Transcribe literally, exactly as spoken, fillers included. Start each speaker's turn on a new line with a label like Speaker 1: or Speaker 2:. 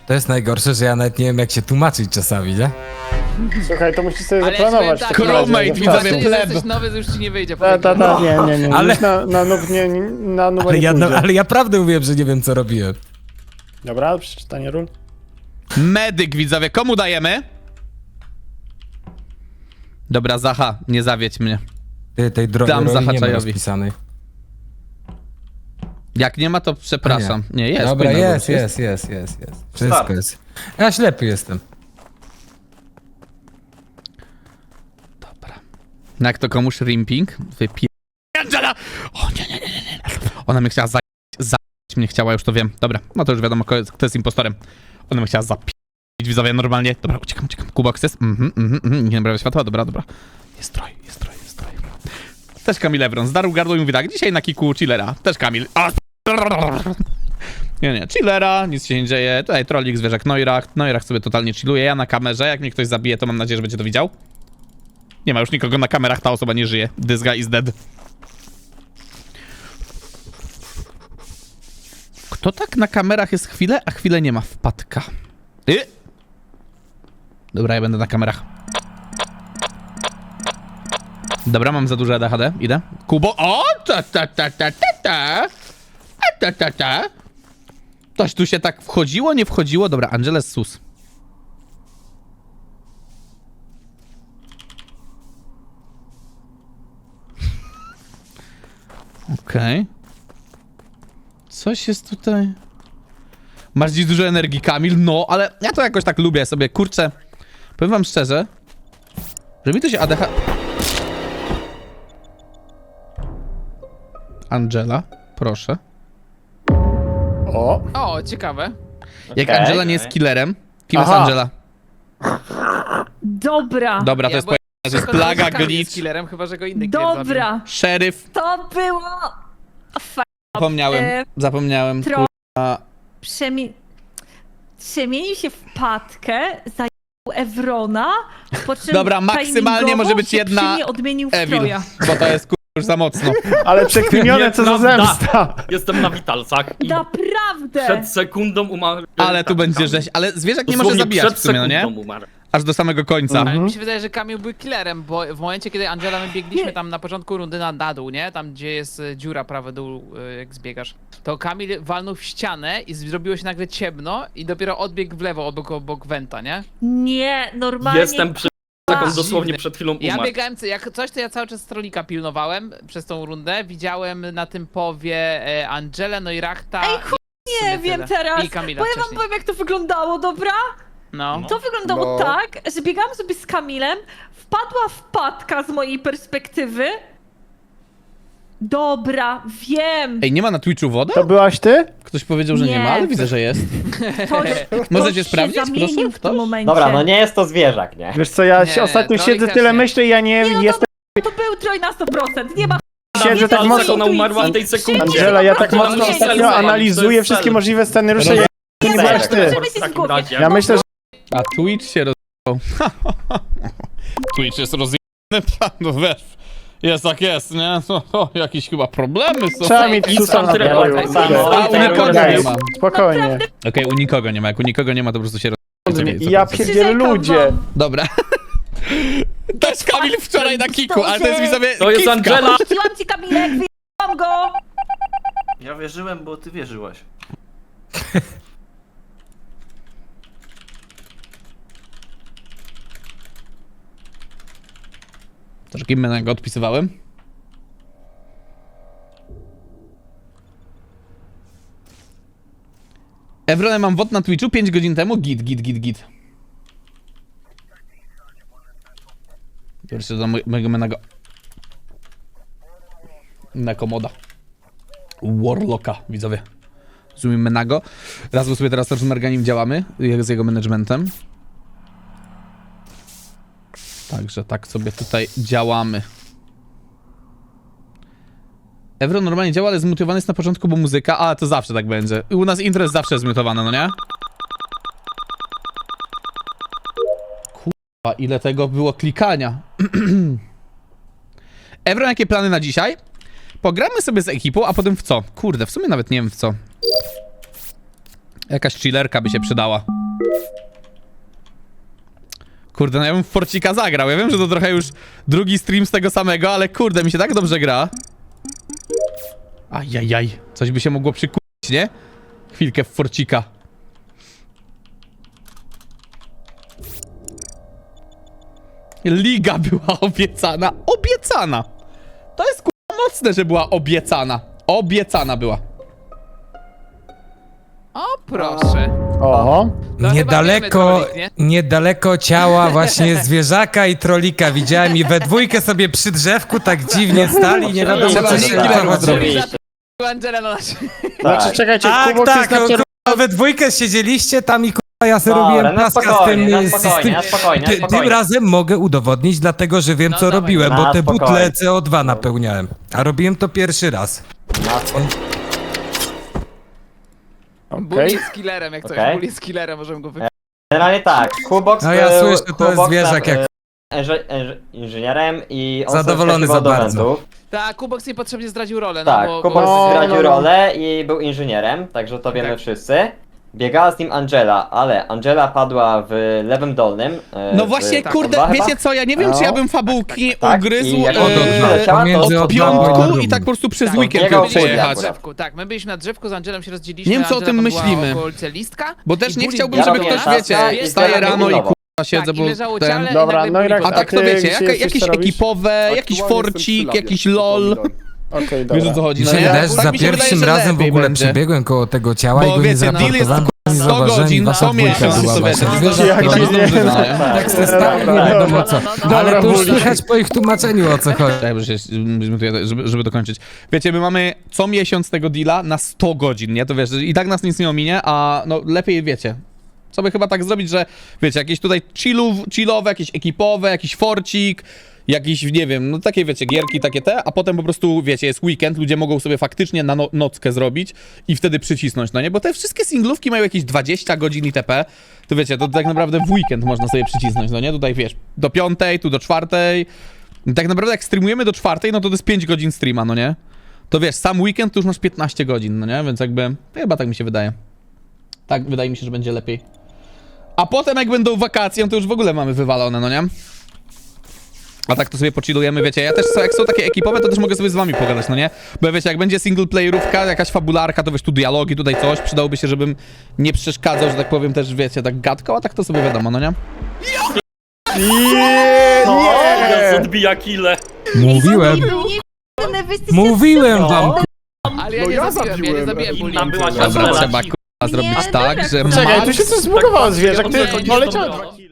Speaker 1: To jest najgorsze, że ja nawet nie wiem jak się tłumaczyć czasami, nie?
Speaker 2: Słuchaj, to musisz sobie
Speaker 3: Ale ja
Speaker 2: zaplanować.
Speaker 3: ci powiem
Speaker 2: w takim
Speaker 3: tak,
Speaker 2: razie,
Speaker 4: crewmate,
Speaker 2: że
Speaker 4: widzowie,
Speaker 2: wtedy-
Speaker 3: Jeżeli
Speaker 4: pleb.
Speaker 3: jesteś nowy, to już ci nie wyjdzie.
Speaker 2: Ta, ta, ta, nie, nie, nie.
Speaker 1: Ale-
Speaker 2: Ale... Na, na noob nie, nie, na noob
Speaker 1: Ale
Speaker 2: nie
Speaker 1: ja, no,
Speaker 2: pójdzie.
Speaker 1: ale ja prawdę mówiłem, że nie wiem co robiłem.
Speaker 2: Dobra, przeczytanie ról.
Speaker 4: Medyk, widzowie, komu dajemy? Dobra, Zacha, nie zawiedź mnie.
Speaker 1: Ty, tej drogi
Speaker 4: Dam
Speaker 1: roli nie ma
Speaker 4: Zahaczajowi.
Speaker 1: rozpisanej.
Speaker 4: Jak nie ma, to przepraszam. Nie, jest.
Speaker 1: Dobra,
Speaker 4: powinno
Speaker 1: jest,
Speaker 4: być,
Speaker 1: jest, jest, jest, jest. Wszystko
Speaker 5: Start.
Speaker 1: jest. Ja ślepy jestem.
Speaker 4: Dobra. No jak to komuś rimping? Wypie... Angela! O nie, nie, nie, nie, nie. Ona mnie chciała za... za... mnie chciała, już to wiem. Dobra, no to już wiadomo, kto jest, kto jest impostorem. Ona mnie chciała zapi... widzowie normalnie. Dobra, uciekam, uciekam. Kubox jest. Mhm, mhm, mhm. Nie naprawia światła, dobra, dobra. Jest troj, jest troj, jest troj. Też Kamil Evron. Zdarł gardło i mówi tak, dzisiaj na kiku chillera. Też Kamil. A... Nie, nie, chillera, nic się nie dzieje. Tutaj trollik, zwierzak Neurach. Neurach sobie totalnie chilluje. Ja na kamerze, jak mnie ktoś zabije, to mam nadzieję, że będzie to widział. Nie ma już nikogo na kamerach, ta osoba nie żyje. This guy is dead. Kto tak na kamerach jest chwilę, a chwilę nie ma? Wpadka. Y? Dobra, ja będę na kamerach. Dobra, mam za duże A D H D. Idę. Kubo. O! Ta, ta, ta, ta, ta, ta. Ta, ta, ta. Coś tu się tak wchodziło, nie wchodziło? Dobra, Angeles sus. Okej. Okay. Coś jest tutaj... Masz dziś dużo energii, Kamil? No, ale ja to jakoś tak lubię sobie, kurczę. Powiem wam szczerze, że mi to się A D H... Angela, proszę.
Speaker 2: O,
Speaker 3: O, ciekawe.
Speaker 4: Jak
Speaker 5: Okej.
Speaker 4: Angela nie jest killerem, kim
Speaker 2: Aha.
Speaker 4: jest Angela?
Speaker 6: Dobra,
Speaker 4: Dobra, to
Speaker 3: Ja
Speaker 4: jest
Speaker 3: byłem
Speaker 4: pojęcie, że jest
Speaker 3: przekonany,
Speaker 4: plaga,
Speaker 3: że Kamil jest
Speaker 4: glitch,
Speaker 3: killerem, chyba że go inny killer zabił.
Speaker 6: dobra,
Speaker 4: szeryf.
Speaker 6: to było... Fa...
Speaker 4: Zapomniałem,
Speaker 6: E,
Speaker 4: zapomniałem.
Speaker 6: tro-
Speaker 4: kurwa.
Speaker 6: Przemi... Przemienił się w patkę, zajął Evrona, po czym
Speaker 4: Dobra, maksymalnie
Speaker 6: timingowo
Speaker 4: może być
Speaker 6: się
Speaker 4: jedna
Speaker 6: przy mnie odmienił w
Speaker 4: Evil,
Speaker 6: Troja.
Speaker 4: bo to jest kurwa już za mocno.
Speaker 2: ale przeklinione co za
Speaker 5: Nieprawda.
Speaker 2: zemsta.
Speaker 5: Jestem na witalcach i
Speaker 6: Naprawdę!
Speaker 5: przed sekundą umarł.
Speaker 4: Ale tu będzie rzeź, ale zwierzak nie może
Speaker 5: Dosłownie
Speaker 4: zabijać w
Speaker 5: przed
Speaker 4: sumie, no nie?
Speaker 5: sekundą umarł.
Speaker 4: Aż do samego końca.
Speaker 3: Ale mi się wydaje, że Kamil był killerem, bo w momencie, kiedy Angela, my biegliśmy tam na początku rundy na, na dół, nie? Tam, gdzie jest e, dziura prawy dół, e, jak zbiegasz. To Kamil walnął w ścianę i zrobiło się nagle ciemno i dopiero odbiegł w lewo, obok, obok Wenta, nie?
Speaker 6: Nie, normalnie...
Speaker 5: Jestem przy... Jak on dosłownie
Speaker 3: Dziwne.
Speaker 5: przed chwilą
Speaker 3: Ja
Speaker 5: umarł.
Speaker 3: biegałem, jak coś, to ja cały czas trolika pilnowałem przez tą rundę. Widziałem na tym powie e, Angelę, no i Rachta.
Speaker 6: Ej,
Speaker 3: i w
Speaker 6: Nie
Speaker 3: sumie
Speaker 6: wiem
Speaker 3: tyle.
Speaker 6: teraz,
Speaker 3: I Kamila
Speaker 6: bo ja wam
Speaker 3: wcześniej.
Speaker 6: powiem jak to wyglądało, dobra?
Speaker 3: No.
Speaker 6: To wyglądało
Speaker 2: No.
Speaker 6: tak, że biegałam sobie z Kamilem, wpadła wpadka z mojej perspektywy. Dobra, wiem.
Speaker 4: Ej, nie ma na Twitchu woda?
Speaker 2: To byłaś ty?
Speaker 4: Ktoś powiedział, że nie,
Speaker 6: Nie.
Speaker 4: ma, ale widzę, że jest.
Speaker 6: Ktoś, ktoś
Speaker 4: Możecie
Speaker 6: się
Speaker 4: sprawdzić,
Speaker 6: zamienił
Speaker 4: proszę?
Speaker 6: w tym
Speaker 4: Ktoś?
Speaker 6: momencie.
Speaker 7: Dobra, no nie jest to zwierzak, nie?
Speaker 2: Wiesz co, ja
Speaker 3: Nie,
Speaker 2: się ostatnio
Speaker 3: Trolik
Speaker 2: siedzę,
Speaker 3: też
Speaker 2: tyle
Speaker 3: nie.
Speaker 2: myślę i ja nie,
Speaker 6: Nie, no
Speaker 2: jestem...
Speaker 6: To był Troj na sto procent, nie ma...
Speaker 2: Siedzę tak
Speaker 6: nie
Speaker 2: mocno...
Speaker 5: Ona umarła w tej
Speaker 6: intuicji.
Speaker 5: sekundzie.
Speaker 2: Angela, ja tak
Speaker 6: Nie,
Speaker 2: mocno
Speaker 6: nie,
Speaker 2: ostatnio
Speaker 6: nie, nie,
Speaker 2: analizuję
Speaker 5: nie,
Speaker 2: wszystkie
Speaker 5: nie,
Speaker 2: możliwe scenariusze, ja to nie
Speaker 7: nie,
Speaker 2: byłaś
Speaker 7: nie,
Speaker 2: ty.
Speaker 6: Możemy się
Speaker 5: W takim
Speaker 6: zgłowić.
Speaker 5: razie.
Speaker 2: Ja myślę, że...
Speaker 4: A Twitch się rozjechał. Twitch jest rozjechany, no wiesz. Jest tak jest, nie? O, o, jakieś chyba problemy są.
Speaker 2: Trzeba mieć susa na
Speaker 5: Tyle
Speaker 2: pokoju.
Speaker 5: tak
Speaker 7: samo.
Speaker 4: A, u nikogo nie ma.
Speaker 2: Spokojnie.
Speaker 4: Okej, u nikogo nie ma. Jak u nikogo nie ma, to po prostu się rozjechał.
Speaker 2: Ja pierdzielę
Speaker 6: Przyrzekam
Speaker 2: ludzie.
Speaker 6: wam.
Speaker 4: Dobra. To jest Kamil wczoraj na kiku, ale to jest widzowie
Speaker 5: To jest
Speaker 4: kiwka.
Speaker 5: Angela!
Speaker 6: Puściłam ci Kamilek, wyjechałam go!
Speaker 8: Ja wierzyłem, bo ty wierzyłaś.
Speaker 4: To, że kim go odpisywałem? Evronę mam wod na Twitchu pięć godzin temu. Git, git, git, git. Pierwszy do mojego menego. Nekomoda. Warlocka, widzowie. Zoomimy Menago. Raz sobie teraz też z Merganim działamy, jak z jego managementem. Także tak sobie tutaj działamy. Evron normalnie działa, ale zmutowany jest na początku, bo muzyka, a to zawsze tak będzie. U nas intro jest zawsze zmutowane, no nie? Kurwa, ile tego było klikania. Evron, jakie plany na dzisiaj? Pogramy sobie z ekipą, a potem w co? Kurde, w sumie nawet nie wiem w co. Jakaś chillerka by się przydała. Kurde, no ja bym w Forcika zagrał. Ja wiem, że to trochę już drugi stream z tego samego, ale kurde, mi się tak dobrze gra. Ajajaj, coś by się mogło przykuć, nie? Chwilkę w Forcika. Liga była obiecana. Obiecana! To jest kurwa mocne, że była obiecana. Obiecana była.
Speaker 3: O, proszę.
Speaker 2: Oho.
Speaker 3: No
Speaker 1: Niedaleko,
Speaker 3: chyba wiemy, trolik,
Speaker 1: niedaleko ciała właśnie zwierzaka i trolika widziałem i we dwójkę sobie przy drzewku tak dziwnie stali, nie wiadomo
Speaker 4: Trzeba
Speaker 1: co
Speaker 4: linki
Speaker 1: się
Speaker 4: lepiej
Speaker 1: stało.
Speaker 4: zrobić.
Speaker 3: Angela na nas.
Speaker 2: Znaczy, czekajcie,
Speaker 1: Tak,
Speaker 2: Kubok
Speaker 1: tak,
Speaker 2: jest na kierunku.
Speaker 1: kurwa, we dwójkę siedzieliście tam i kurwa ja sobie
Speaker 7: Dobra,
Speaker 1: robiłem
Speaker 7: na
Speaker 1: plaska z
Speaker 7: spokojnie,
Speaker 1: tym,
Speaker 7: na
Speaker 1: z- z
Speaker 7: spokojnie,
Speaker 1: tym.
Speaker 7: na spokojnie, na
Speaker 1: Ty,
Speaker 7: spokojnie.
Speaker 1: tym razem mogę udowodnić, dlatego że wiem
Speaker 3: No,
Speaker 1: co
Speaker 3: dawaj.
Speaker 1: robiłem, bo
Speaker 7: Na
Speaker 1: te
Speaker 7: spokojnie.
Speaker 1: butle C O dwa napełniałem. A robiłem to pierwszy raz.
Speaker 7: Na spokojnie.
Speaker 3: Bully
Speaker 2: Okej.
Speaker 3: jest killerem, jak coś.
Speaker 7: Okej.
Speaker 3: Bully jest killerem, możemy go wypić.
Speaker 7: Generalnie tak, Kubox
Speaker 1: No ja
Speaker 7: był,
Speaker 1: słyszę, to jest
Speaker 7: Kubox
Speaker 1: zwierzak
Speaker 7: tam,
Speaker 1: jak-
Speaker 7: e, Inży, inży, inżynierem i on
Speaker 1: Zadowolony
Speaker 7: sobie
Speaker 1: za
Speaker 7: wskakiwał do
Speaker 1: bardzo.
Speaker 7: wentów.
Speaker 3: Tak, Kubox niepotrzebnie zdradził rolę,
Speaker 7: Tak,
Speaker 3: no bo...
Speaker 7: Kubox
Speaker 2: No,
Speaker 7: zdradził
Speaker 2: no, no.
Speaker 7: rolę i był inżynierem, także to wiemy
Speaker 3: Tak.
Speaker 7: wszyscy. Biegała z nim Angela, ale Angela padła w lewym dolnym. e,
Speaker 4: No
Speaker 7: w
Speaker 4: właśnie,
Speaker 7: tak,
Speaker 4: kurde,
Speaker 7: chyba?
Speaker 4: wiecie co, ja nie wiem, czy ja bym fabułki
Speaker 7: tak.
Speaker 4: ugryzł
Speaker 7: I jak
Speaker 4: e,
Speaker 7: on doleciała, to
Speaker 1: pomiędzy
Speaker 4: od
Speaker 1: od Lambo i
Speaker 4: piątku
Speaker 1: Lambo.
Speaker 4: i tak po prostu przez
Speaker 3: Tak,
Speaker 4: weekend
Speaker 7: biegał
Speaker 4: ją
Speaker 3: My byliśmy na
Speaker 4: przejechać.
Speaker 3: drzewku, tak, my byliśmy na drzewku, z Angelem się rozdzieliliśmy.
Speaker 4: Nie wiem, co o
Speaker 3: Angela
Speaker 4: tym
Speaker 3: tam była
Speaker 4: myślimy.
Speaker 3: w okolicy listka.
Speaker 4: Bo też
Speaker 3: i
Speaker 4: nie
Speaker 3: Bully
Speaker 4: chciałbym,
Speaker 7: Ja
Speaker 4: żeby
Speaker 7: robię
Speaker 4: ktoś,
Speaker 7: taska
Speaker 4: wiecie,
Speaker 7: i
Speaker 4: wstaje
Speaker 7: zbieram
Speaker 4: rano i
Speaker 7: pilnowo.
Speaker 4: kurwa siedzę,
Speaker 3: Tak, i
Speaker 4: bo
Speaker 3: leżało
Speaker 4: ten...
Speaker 3: ciele i
Speaker 2: Dobra,
Speaker 3: nagle
Speaker 2: no i
Speaker 3: Bully
Speaker 2: Rak-
Speaker 4: A
Speaker 3: wypadł.
Speaker 4: tak to
Speaker 2: ty
Speaker 4: wiecie,
Speaker 2: gdzie
Speaker 4: jaka,
Speaker 2: jesteś,
Speaker 4: jakieś
Speaker 2: co robisz?
Speaker 4: ekipowe, jakiś forcik, jakiś lol.
Speaker 2: Okej, dobra.
Speaker 4: Wiesz o co chodzi,
Speaker 1: Mi
Speaker 4: no
Speaker 1: się
Speaker 4: nie?
Speaker 1: wydaje, że
Speaker 4: Tak
Speaker 1: za
Speaker 4: mi się wydaje,
Speaker 1: pierwszym
Speaker 4: że
Speaker 1: razem w
Speaker 4: lepiej
Speaker 1: ogóle
Speaker 4: będzie.
Speaker 1: przebiegłem koło tego ciała i
Speaker 4: Bo
Speaker 1: go nie
Speaker 4: wiecie, deal jest
Speaker 1: zraportowałem, bo nie
Speaker 4: sto
Speaker 1: zauważyłem i
Speaker 4: godzin,
Speaker 1: wasza
Speaker 4: sto
Speaker 1: dwójka
Speaker 4: miesiąc
Speaker 1: była
Speaker 4: sobie.
Speaker 1: właśnie.
Speaker 4: No,
Speaker 1: Zwierzak,
Speaker 2: jak
Speaker 1: który-
Speaker 2: dziwnie.
Speaker 1: Tak se stał, nie wiadomo co.
Speaker 2: Dobra,
Speaker 1: Ale to już
Speaker 2: Bully.
Speaker 1: słychać po ich tłumaczeniu o co chodzi.
Speaker 4: Tak, żeby, żeby, żeby dokończyć. Wiecie, my mamy co miesiąc tego deala na sto godzin, nie? To wiesz, i tak nas nic nie ominie, a no lepiej wiecie. Sobie chyba tak zrobić, że wiecie, jakieś tutaj chillów, chillowe, jakieś ekipowe, jakiś forcik, jakiś, nie wiem, no takie wiecie, gierki takie te, a potem po prostu, wiecie, jest weekend, ludzie mogą sobie faktycznie na no nockę zrobić i wtedy przycisnąć, no nie? Bo te wszystkie singlówki mają jakieś dwadzieścia godzin itp. To wiecie, to tak naprawdę w weekend można sobie przycisnąć, no nie? Tutaj wiesz, do piątej, tu do czwartej. Tak naprawdę jak streamujemy do czwartej, no to to jest pięć godzin streama, no nie? To wiesz, sam weekend to już masz piętnaście godzin, no nie? Więc jakby, chyba tak mi się wydaje. Tak, wydaje mi się, że będzie lepiej. A potem jak będą wakacje, to już w ogóle mamy wywalone, no nie? A tak to sobie pochillujemy, wiecie, ja też, co- jak są takie ekipowe, to też mogę sobie z wami pogadać, no nie? Bo wiecie, jak będzie single playerówka, jakaś fabularka, to wiesz, tu dialogi, tutaj coś, przydałoby się, żebym nie przeszkadzał, że tak powiem, też, wiecie, tak gadką, a tak to sobie wiadomo, no nie?
Speaker 5: Gaz odbija kile.
Speaker 1: Mówiłem,
Speaker 6: Nie, wy jesteście
Speaker 1: mówiłem wam.
Speaker 3: Ale ja nie zabiłem, ja nie zabiłem Bully.
Speaker 5: Tam była
Speaker 4: Dobra,
Speaker 5: siostra
Speaker 4: trzeba
Speaker 5: Laki.
Speaker 4: k***a zrobić
Speaker 6: Nie,
Speaker 4: tak,
Speaker 6: dobra.
Speaker 4: że
Speaker 2: Czekaj, tu
Speaker 4: Max...
Speaker 2: się coś zbugowało zwierzak, ty
Speaker 5: Tak,
Speaker 2: poleciał
Speaker 5: tak.
Speaker 2: dwa kile.